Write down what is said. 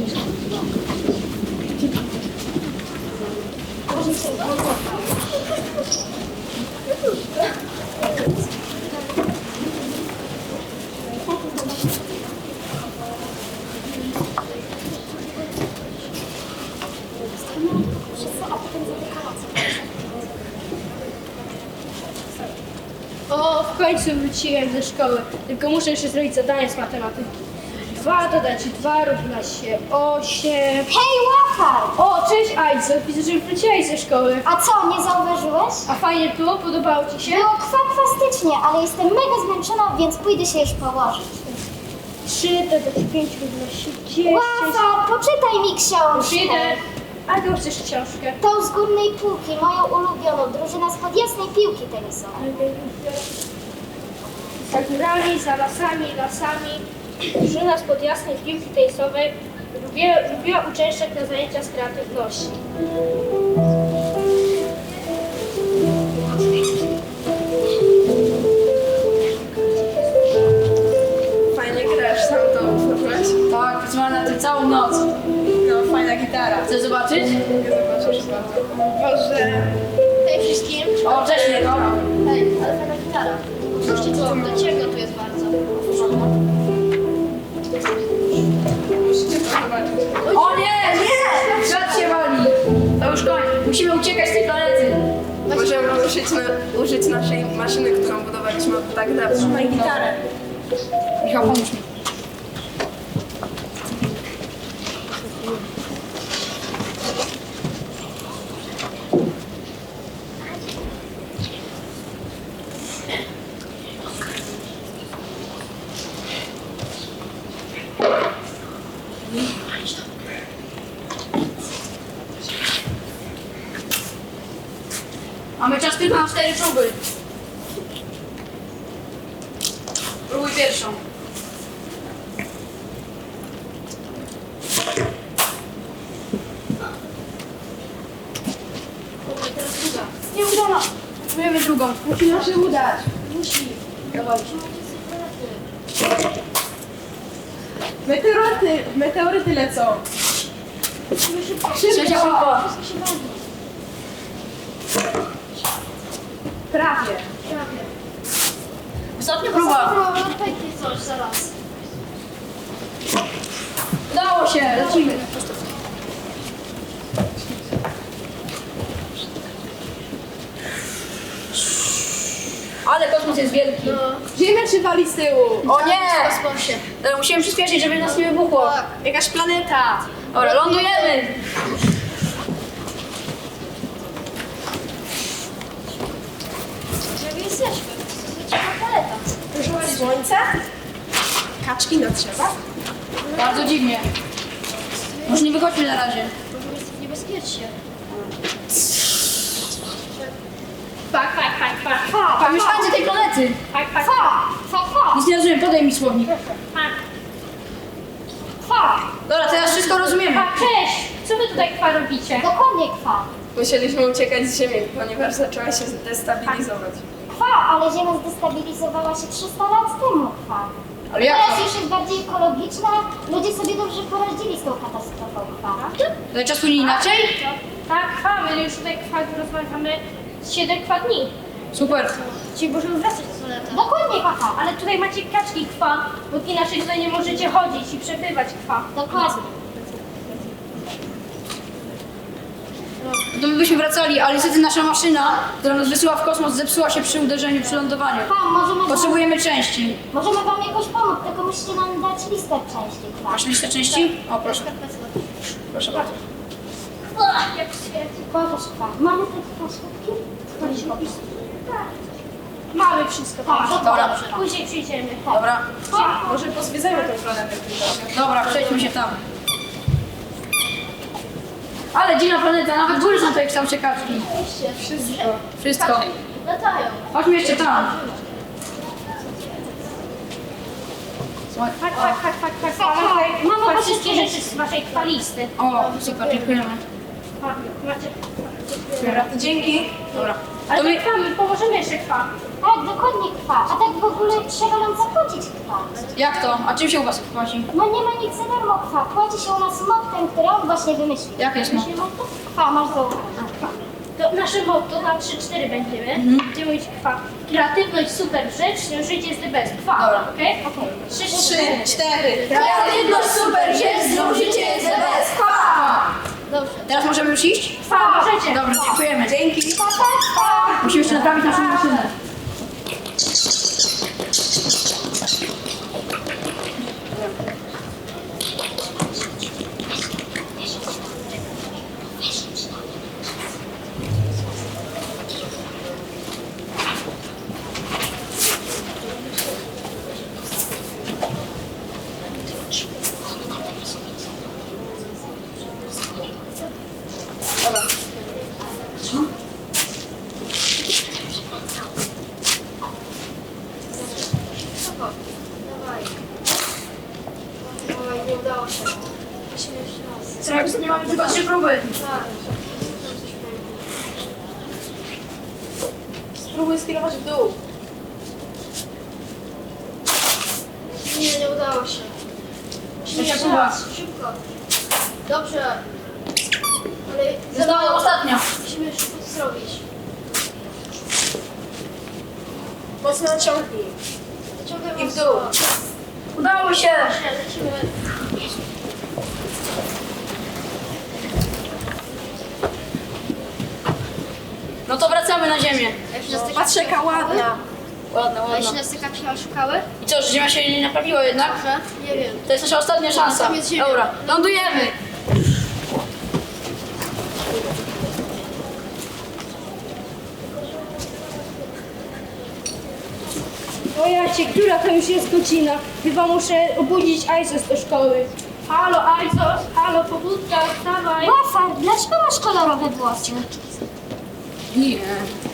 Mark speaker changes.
Speaker 1: O, w końcu wróciłem ze szkoły, tylko muszę jeszcze zrobić zadanie z matematyki. 2 dodać 2 równa się 8.
Speaker 2: Hej, łapar!
Speaker 1: O, cześć Ajco, widzę, że wróciłeś ze szkoły.
Speaker 2: A co, nie zauważyłeś?
Speaker 1: A fajnie było? Podobało ci się?
Speaker 2: Było kwastycznie, ale jestem mega zmęczona, więc pójdę się już położyć.
Speaker 1: 3 dodać 5 równa się 10.
Speaker 2: Łapar, poczytaj mi książkę.
Speaker 1: Już idę. A ty chcesz książkę?
Speaker 2: Tą z górnej półki, moją ulubioną, drużyna spod jasnej piłki tenisowej.
Speaker 1: Za górami, za lasami, lasami. Drużyna spod jasnej piłki tenisowej lubiła uczęszczać na zajęcia z kreatywności.
Speaker 3: Fajnie grasz, sam to ufasz.
Speaker 4: Tak, pracowałem na tym całą noc.
Speaker 3: No, fajna gitara.
Speaker 4: Chcesz zobaczyć?
Speaker 3: Nie zobaczysz bardzo. Boże.
Speaker 1: Hej wszystkim.
Speaker 4: O, cześć Mirko.
Speaker 1: Hej, ale fajna gitara. Słyszcie co? Do ciemno tu jest bardzo.
Speaker 3: Musicie to zobaczyć.
Speaker 4: O nie, nie! Świat się wali. To już koniec. Musimy uciekać z tej planety.
Speaker 3: Możemy użyć naszej maszyny, którą budowaliśmy od tak dawno. Trzymaj gitarę.
Speaker 4: Michał, pomóż mi. Mamy czas tylko na 4 próby. Próbuj pierwszą. Nie udana. Próbujemy drugą.
Speaker 3: Musi nam się udać.
Speaker 4: Musi. Dawaj.
Speaker 3: Meteoryty lecą.
Speaker 4: Trzecia próba.
Speaker 3: Prawie.
Speaker 4: Ostatnia próba.
Speaker 1: Coś zaraz.
Speaker 4: Udało się. Lecimy. Ale kosmos jest wielki.
Speaker 3: Ziemia się wali z tyłu.
Speaker 4: O nie! Dobra, musimy przyspieszyć, żeby nas nie wybuchło.
Speaker 3: Jakaś planeta.
Speaker 4: Dobra, lądujemy.
Speaker 1: Gdzie jesteśmy? To jest ciekawa paleta.
Speaker 3: Słońce? Kaczki na drzewach?
Speaker 4: Bardzo dziwnie. Może nie wychodźmy na razie.
Speaker 1: Możemy jest niebezpiecznie. Fak.
Speaker 4: A mieszkańcy tej planety.
Speaker 1: Fak.
Speaker 4: Nic nie rozumiem, podaj mi słownik.
Speaker 1: Fak.
Speaker 4: Dobra, teraz wszystko rozumiemy.
Speaker 1: Cześć! Co wy tutaj kwa robicie?
Speaker 2: Dokładnie kwa.
Speaker 3: Musieliśmy uciekać z Ziemi, ponieważ zaczęła się destabilizować.
Speaker 2: Kwa, ale Ziemia zdestabilizowała się 300 lat temu, kwa.
Speaker 4: Ale jak
Speaker 2: Teraz
Speaker 4: to?
Speaker 2: już jest bardziej ekologiczna, ludzie sobie dobrze poradzili z tą katastrofą, kwa.
Speaker 4: Ale czas płynie inaczej?
Speaker 1: Tak, my już tutaj kwa rozmawiamy 7 dni.
Speaker 4: Super.
Speaker 1: Dzisiaj możemy wracać do planety.
Speaker 2: Dokładnie, kwa.
Speaker 1: Ale tutaj macie kaczki kwa, bo inaczej tutaj nie możecie chodzić i przebywać kwa.
Speaker 2: Dokładnie.
Speaker 4: To my byśmy wracali, ale niestety nasza maszyna, która nas wysyła w kosmos, zepsuła się przy uderzeniu, przy lądowaniu.
Speaker 2: Kwa,
Speaker 4: Potrzebujemy części.
Speaker 2: możemy wam jakoś pomóc, tylko musicie nam dać listę części, kwa.
Speaker 4: Masz listę części? O, proszę. Proszę bardzo.
Speaker 1: Jak świetnie.
Speaker 2: Pokaż, kwa. Mamy te flaszki?
Speaker 1: Mamy wszystko.
Speaker 2: Tak,
Speaker 4: Dobra.
Speaker 1: Później przyjdziemy.
Speaker 4: Dobra.
Speaker 3: Może pozwiedzajmy tę planetę.
Speaker 4: Dobra, przejdźmy się tam. Ale dziwna planeta, nawet góry są tutaj w kształcie kaczki. Wszystko.
Speaker 1: Latają.
Speaker 4: Chodźmy jeszcze tam. Słuchaj.
Speaker 1: Fak. Mamy wszystkie rzeczy z waszej kwalisty.
Speaker 4: O, super, dziękujemy.
Speaker 1: Macie.
Speaker 3: Dobra, to dzięki.
Speaker 4: Dobra.
Speaker 1: Ale
Speaker 4: To my...
Speaker 1: my pomożemy jeszcze kwa.
Speaker 2: Tak, dokładnie kwa. A tak w ogóle trzeba nam zapłacić kwa.
Speaker 4: Jak to? A czym się u was płaci?
Speaker 2: No nie ma nic za darmo kwa. Płaci się u nas mottem, który on właśnie wymyślił.
Speaker 4: Jak jest
Speaker 2: Wymyślił motto? Kwa, masz zauważyć.
Speaker 1: To nasze motto na 3-4 będziemy. Będziemy mówić kwa. Kreatywność super rzecz, życie jest the best. Kwa,
Speaker 4: Dobra.
Speaker 1: okej? 3, 4.
Speaker 4: Kreatywność super jest, życie jest bez.
Speaker 1: Dobrze.
Speaker 4: Teraz możemy już iść?
Speaker 1: Kwa, możecie.
Speaker 4: Dobra, dziękujemy.
Speaker 3: Dzięki.
Speaker 4: Musimy jeszcze naprawić naszą maszynę.
Speaker 2: Oj, nie udało się.
Speaker 4: Co, jak nie mamy tylko 3 próby.
Speaker 3: Spróbuj skierować w dół.
Speaker 2: Nie udało się.
Speaker 4: Trzecia próba.
Speaker 2: Szybko. Dobrze. Ale
Speaker 4: Została ostatnia.
Speaker 2: musimy szybko to zrobić.
Speaker 3: Mocno naciągnij.
Speaker 2: Wyciągaj
Speaker 3: I w
Speaker 2: mocno.
Speaker 3: dół.
Speaker 4: Udało się.
Speaker 2: Lecimy.
Speaker 4: No to wracamy na ziemię.
Speaker 3: Patrz jaka ładna.
Speaker 4: Ładna,
Speaker 2: A jeśli
Speaker 4: ładna.
Speaker 2: nas taka książka szukały?
Speaker 4: I co, że ziemia się nie naprawiła jednak?
Speaker 2: Dobrze. Nie wiem.
Speaker 4: To jest nasza ostatnia szansa.
Speaker 2: Tam jest ziemia.
Speaker 4: Dobra, lądujemy.
Speaker 1: O jacie, która to już jest godzina? Chyba muszę obudzić Aisos do szkoły. Halo Aisos, halo pobudka, wstawaj.
Speaker 2: Łafar, dlaczego masz kolorowe włosy?
Speaker 4: Nie.